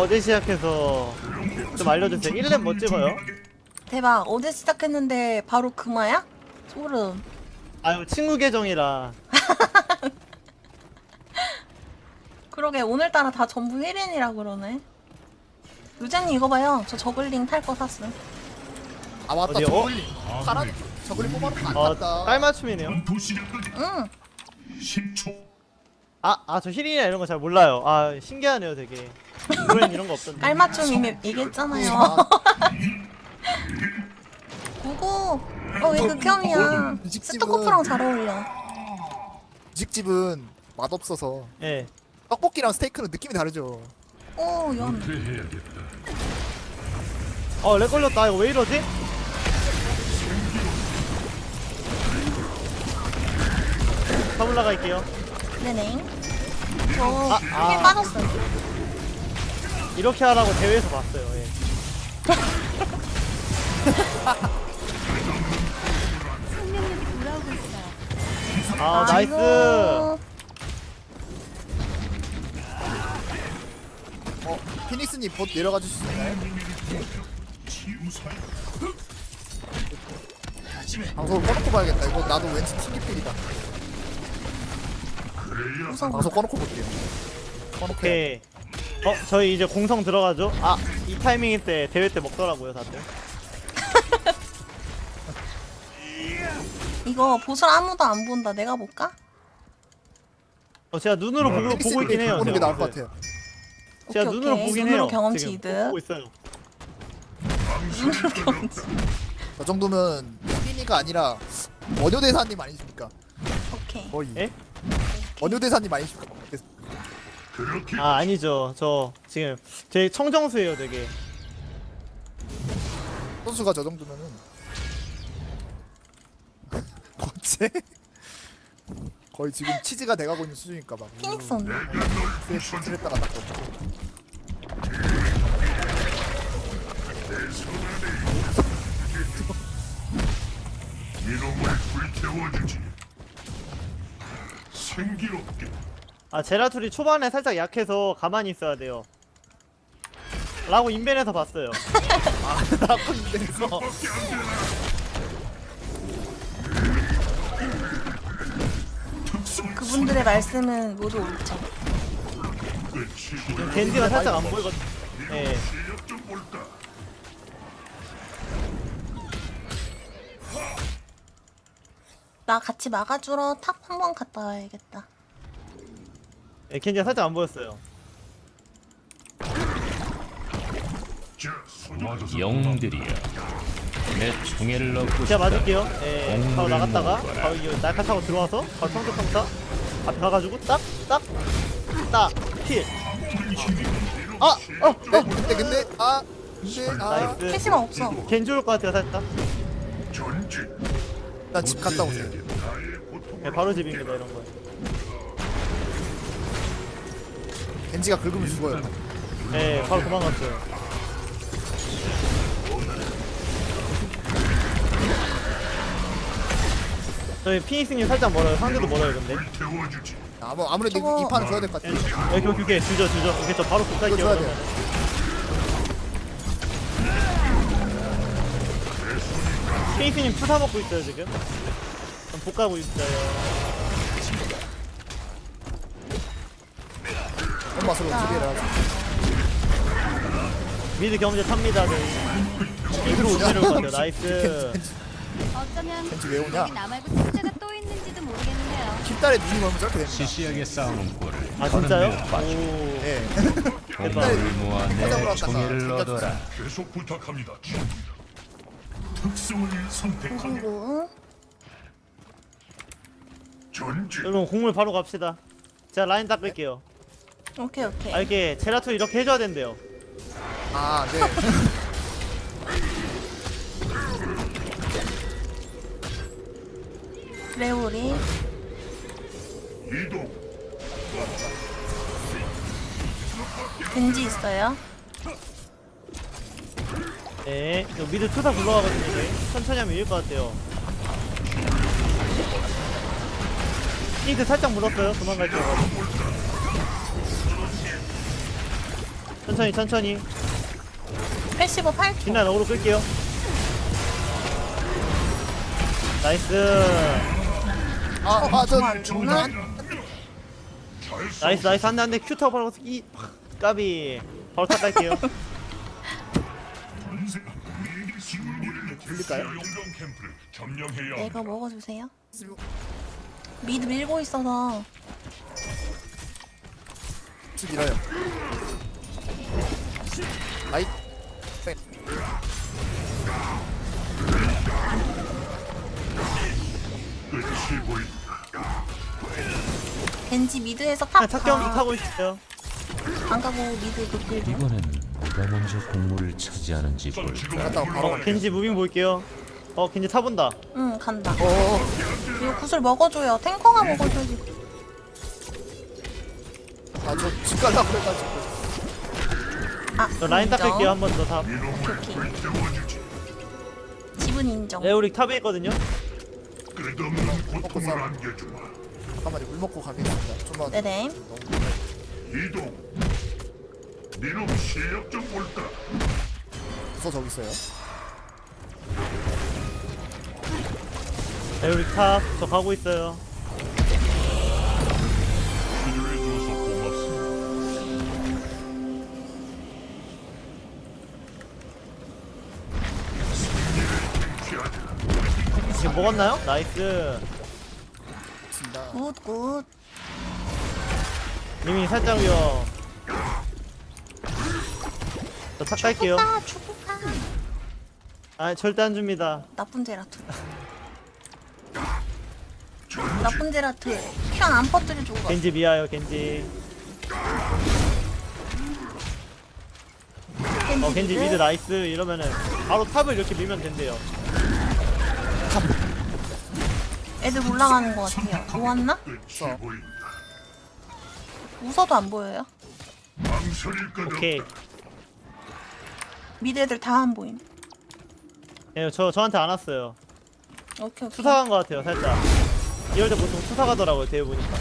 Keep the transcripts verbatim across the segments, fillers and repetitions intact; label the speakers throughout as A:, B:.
A: 어제 시작해서 좀 알려주세요. 일 렙 뭐 찍어요?
B: 대박. 어제 시작했는데 바로 금화야? 소름.
A: 아유 친구 계정이라.
B: 그러게 오늘따라 다 전부 일 인이라 그러네. 루자님 이거 봐요. 저 저글링 탈 거 샀어.
C: 아 맞다
A: 어디요?
C: 저글링 파란 저글링 뽑아놓고 안
A: 어,
C: 탔다.
A: 깔맞춤이네요.
B: 응.
D: 십 초.
A: 아, 아, 저 힐이나 이런 거 잘 몰라요. 아, 신기하네요, 되게. 이번엔 이런 거 없던데.
B: 깔맞춤 이미 얘기했잖아요.
C: 아,
B: 구구. 어왜 극혐이야.
C: 뮤직집은-
B: 스토커프랑 잘 어울려.
C: 직집은 맛없어서
A: 예.
C: 떡볶이랑 스테이크는 느낌이 다르죠.
B: 오 연.
D: 해야겠다.
A: 어, 렉 걸렸다. 이거 왜 이러지? 타블라 갈게요.
B: 네네. 저
A: 아,
B: 힐
A: 아.
B: 빠졌어요.
A: 이렇게 하라고 대회에서 봤어요, 예.
E: 생명력이 돌아오고 있어요.
A: 아, 나이스.
B: 아이고.
C: 어 피닉스님 봇 내려가 주실 수 있나요?
D: 치유사야.
C: 방송을 꺼놓고 봐야겠다. 이거 나도 왠지 튕기필이다.
B: 우선
C: 방송 꺼놓고 볼게요. 꺼놓고
A: 오케이.
C: 해.
A: 어, 저희 이제 공성 들어가죠? 아, 이 타이밍일 때 대회 때 먹더라고요, 다들.
B: 이거 보슬 아무도 안 본다. 내가 볼까?
A: 어, 제가 눈으로 보고, 보고
C: 피닉스님
A: 있긴 해요.
C: 보는 게
A: 제가.
C: 나을 것 같아요.
A: 제가
B: 오케이,
A: 눈으로
B: 오케이.
A: 보긴
B: 눈으로
A: 해요.
B: 경험치
A: 지금.
B: 이득.
A: 보고 있어요.
B: 눈으로 경험치.
C: 저 정도면 피니가 아니라 원효대사님 아니십니까?
B: 오케이.
C: 거의.
A: 예?
C: 원효대사님 아니십니까?
D: 그렇게
A: 아, 아니죠. 저 지금 되게 청정수예요, 되게.
C: 선수가 저 정도면은 어째? 거의 지금 치즈가 돼가고 있는 수준이니까 막.
B: 피닉스 언니.
C: 스트레스 했다가 딱 또.
D: 이놈을 불태워주지. 생기롭게.
A: 아, 제라툴이 초반에 살짝 약해서 가만히 있어야 돼요. 라고 인벤에서 봤어요.
C: 나쁜데서
B: 그분들의 말씀은 모두 옳죠.
D: 끝이
A: 겐지가 살짝 안 보이거든. 예.
D: 실력 좀 볼까.
B: 나 같이 막아주러 탑 한 번 갔다 와야겠다.
A: 예, 겐지가 살짝 안 보였어요.
D: 자, 손
F: 영웅들이여 내 총애를 얻고
A: 제가
F: 싶다.
A: 맞을게요. 예, 바로
F: 공물을
A: 나갔다가
F: 먹어라.
A: 바로 이 날카 타고 들어와서 바로 평타평타 앞에 가가지고 딱, 딱, 딱, 힐. 아, 어, 어,
C: 근데 근데 아 근데 아
A: 나이스.
B: 캐시가 없어.
A: 겐지 올 것 같아요, 살짝.
D: 전진.
C: 일단 집 갔다 오세요.
D: 나의 고통을
A: 예, 바로 집입니다, 이런 거.
C: 겐지가 긁으면 죽어요.
A: 예, 바로 도망갔어요. 저희 피닉스님 살짝 멀어요. 상대도 멀어요, 근데.
D: 불태워주지.
C: 아무 아무래도 이-
B: 저거-
C: 이 판은 줘야 될 것
A: 예,
C: 같아요.
A: 오케이, 오케이, 오케이. 주죠, 주죠. 오케이, 저 바로 복갈게요.
C: 이거 줘야 돼요.
A: 피닉스님 투사 먹고 있어요, 지금. 좀 복가고 있어요.
C: 엄마 서로 두 개를 하자.
A: 미드 경제 탑니다, 저희. 미드로 오시는 것 같아요. 나이스.
E: 어쩌면
C: 겐지 왜 오냐?
E: 여기 나 말고 숙제가 또 있는지도 모르겠네요.
C: 킬달에 눈이 멀면 저렇게 됩니다.
F: 시시하게 싸우는 꼴을
A: 아, 진짜요?
F: 거는 데 빠져.
A: 오.
C: 예.
F: 공물을 모아
C: 찾아보러
F: 내
C: 왔다가
F: 총애를 얻어라.
D: 계속 부탁합니다. 친구들. 특성을 선택하며
B: 그리고
D: 전진.
A: 여러분, 공물 바로 갑시다. 제가 라인 닦을게요.
B: 오케이 오케이.
A: 아, 이렇게 제라툴 이렇게 해줘야 된대요.
C: 아 네.
B: 레오리.
D: 이동.
B: 겐지 있어요.
A: 네, 이거 미드 투사 굴러가거든요, 이제. 천천히 하면 이길 것 같아요. 피닉스 살짝 물었어요. 도망갈게요. 천천히 천천히.
B: 패시브 팔 초.
A: 빛나 어그로 끌게요. 나이스.
C: 아아저
B: 정말 죽나?
A: 나이스 나이스 한대 한대 큐 타고 바로 이 까비. 바로 탑 갈게요.
C: 불릴까요?
D: 용병 캠프를 점령해야
B: 내가
D: 합니다.
B: 먹어주세요. 미드 밀고 있어서
C: 쭉 밀어요. 아이
D: 끝이 보인다.
B: 겐지 미드에서
A: 아,
B: 탑
A: 탑경
B: 가.
A: 타고 있어요.
B: 안 가고 미드 극딜 중.
F: 이번엔 누가 먼저 공물을 차지하는지
D: 자,
F: 볼까.
D: 지금
C: 갔다가 바로
A: 어 겐지 무빙 볼게요. 어 겐지 타본다.
B: 응 간다.
C: 어어
B: 이거 구슬 먹어줘요. 탱커가 먹어줘야지.
C: 아저 집 갈라 그래가지고
B: 아
A: 저 라인
B: 인정.
A: 닦을게요 한 번 더 탑.
B: 오케이.
D: 태워주지.
B: 집은 인정.
A: 에오릭 탑에 있거든요.
D: 끝없는 고통을 안겨주마.
C: 잠깐만요. 물 먹고 가겠습니다. 좀만
B: 네네.
D: 이동. 니놈 실력 좀 볼까?
C: 부서 저기 있어요.
A: 에오릭 탑. 저 가고 있어요.
D: 필요해줘서 고맙습니다.
A: 이제 먹었나요? 나이스.
C: 있습니다.
B: 굿굿.
A: 리밍 살짝 위험. 저 탑 갈게요.
B: 아 축구파.
A: 아 절대 안 줍니다.
B: 나쁜 제라투. 나쁜 제라투. 큐안 안 퍼뜨려 주고 가.
A: 겐지 미아요 겐지. 어 겐지 미드 나이스. 이러면은 바로 탑을 이렇게 밀면 된대요.
B: 애들 올라가는 것 같아요. 모았나?
D: 끝이 보인다.
B: 웃어도 안 보여요.
D: 망설일 것
A: 오케이.
D: 없다.
B: 미드 애들 다 안 보임.
A: 예, 저 저한테 안 왔어요.
B: 오케이 오케이.
A: 수사 간 것 같아요 살짝. 이럴 때 보통 수사 가더라고요 대회 보니까.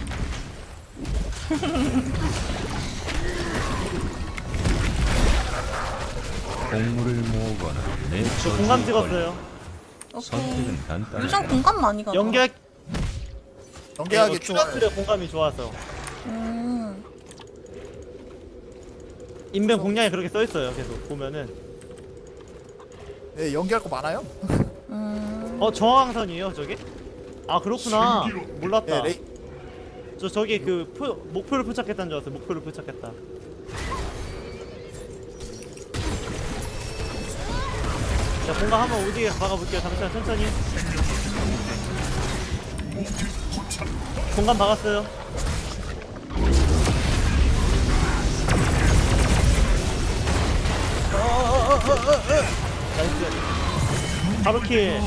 F: 공물을 모으거나 내
A: 저 공감 찍었어요.
B: 오케이.
F: 선택은 간단하다.
B: 요즘 공감 많이 가죠.
A: 연계
C: 연계하기 좋아요.
A: 큐라툴의 공감이 좋아서.
B: 음.
A: 인벤 공략에 그렇게 써 있어요. 계속 보면은.
C: 네 연계할 거 많아요.
B: 음.
A: 어 저항선이에요 저게? 아 그렇구나. 몰랐다.
C: 네 레이
A: 저 저기 그 표, 목표를 포착했다는 줄 알았어요. 목표를 포착했다. 자 공감 한번 오지게 박아볼게요. 잠시만 천천히. 공감 박았어요. 어어어어어어 나이스. 바로 킬.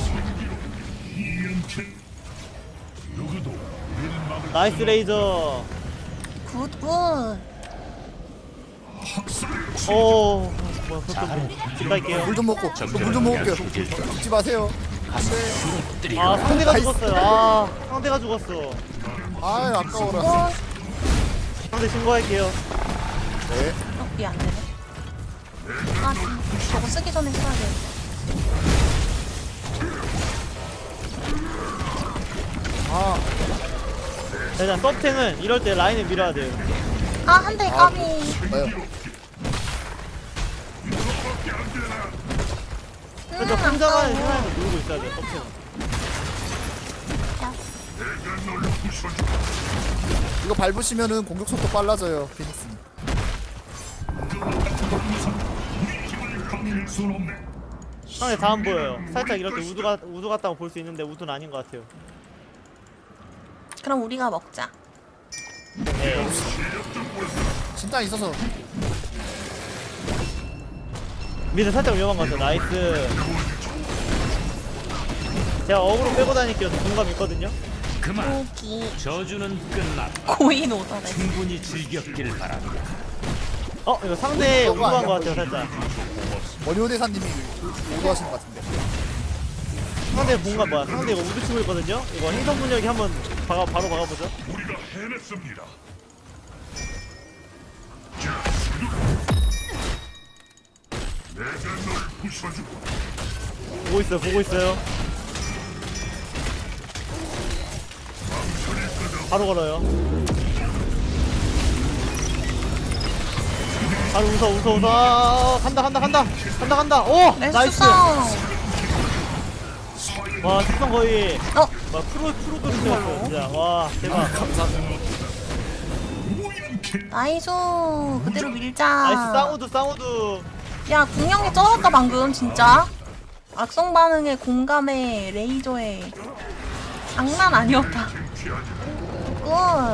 D: 누구도 우리를 막을
A: 나이스 레이저.
B: 굿굿.
A: 오 뭐야 그것도 집 갈게요.
C: 물 좀 먹고 물 좀 먹을게요. 죽지 마세요.
A: 아 상대가 죽었어요. 아 상대가 죽었어.
C: 아 아까워라.
A: 상대 신고할게요.
C: 네.
B: 어, 이게 안 되네. 아, 저거 쓰기 전에 써야 돼.
C: 아
A: 자, 일단 서탱은 이럴 때 라인을 밀어야 돼요.
B: 아, 한 대 까비.
C: 뭐요?
A: 그래서
B: 음,
A: 혼자만
B: 아까워.
A: 생각해서 놀고 있어야 돼요. 서탱은.
D: 내가 널 부숴줘.
C: 이거 밟으시면은 공격 속도 빨라져요. 피닉스.
D: 감힐 순 없네.
A: 상대 다 안 보여요. 살짝 이럴 때 우드, 가, 우드 같다고 볼 수 있는데 우드는 아닌 것 같아요.
B: 그럼 우리가 먹자.
A: 네.
C: 진짜 있어서
A: 미드 살짝 위험한 것 같아요. 나이스. 제가 어그로 빼고 다닐게요. 저 공감 있거든요.
F: 그만.
B: 고기.
F: 저주는 끝났다.
B: 고인 오더래.
F: 충분히 즐겼길 바랍니다.
A: 어 이거 상대 우드한 것 같아요. 살짝.
C: 원효 대사님이 오도하신 것 같은데.
A: 상대 공감 뭐야? 상대 이거 우드 치고 있거든요. 이거 행성 분열기 한번 박아, 바로 박아보죠.
D: 우리가 해냈습니다. 자, 부셔주고
A: 보고 있어요 보고 있어요. 바로 걸어요. 바로 웃어 웃어 웃어. 아, 간다 간다 간다 간다 간다. 오
B: 레스
A: 나이스.
B: 성.
A: 와 특성 거의
B: 어
A: 와 프로 프로 그림이었어 진짜. 와 대박.
B: 나이스. 그대로 밀자.
A: 나이스 쌍우드 쌍우드.
B: 야 궁영이 쩔었다 방금 진짜. 악성 반응에 공감에 레이저에 장난 아니었다. 굿.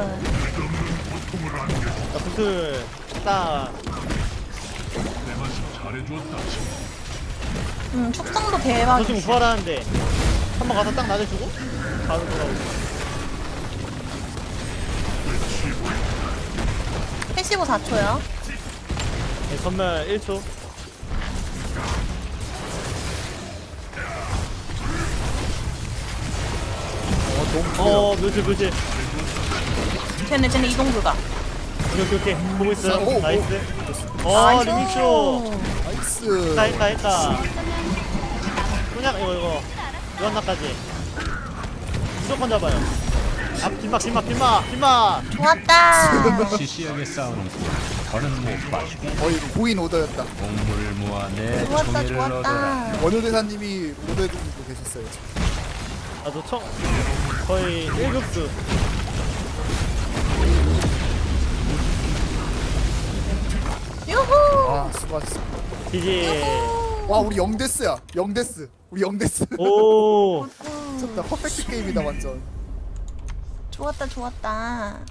A: 자 구슬 딱.
D: 내만 잘해주었다.
B: 음 축성도
A: 저
B: 대박.
A: 지금 부활하는데 한번 가서 딱 나대주고 바로 돌아오고.
B: 패시브 사 초요.
A: 네, 전멸 일 초.
C: 어 너무 좋아.
A: 어 묘실 묘실.
B: 쟤네 쟤네 이동 불가.
A: 오케이 오케이 오케이 보고 있어요.
C: 오, 오.
A: 나이스. 어 리믹쇼.
C: 나이스.
A: 했다 했다 했다. 그냥 이거 이거 유한나까지 무조건 잡아요. 앞 뒷막 뒷막 뒷막 뒷막.
B: 좋았다.
F: 시시하게 싸우는 군 더는 못 봐주기.
C: 거의 고인 오더였다.
F: 공물을 모아 내
B: 좋았다
F: 총애를 얻어라.
B: 좋았다.
C: 원효 대사님이 오더해주고 계셨어요.
A: 나도 청 거의 일 급수.
B: 유후.
C: 아 수고하셨어.
A: 지지.
C: 와 우리 영데스야. 영데스. 우리 영데스.
A: 오.
C: 진짜 퍼펙트 게임이다 완전.
B: 좋았다 좋았다.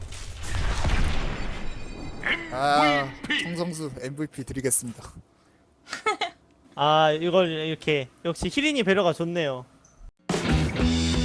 C: 아 성성수 엠브이피 드리겠습니다.
A: 아 이걸 이렇게 역시 히린이 배려가 좋네요.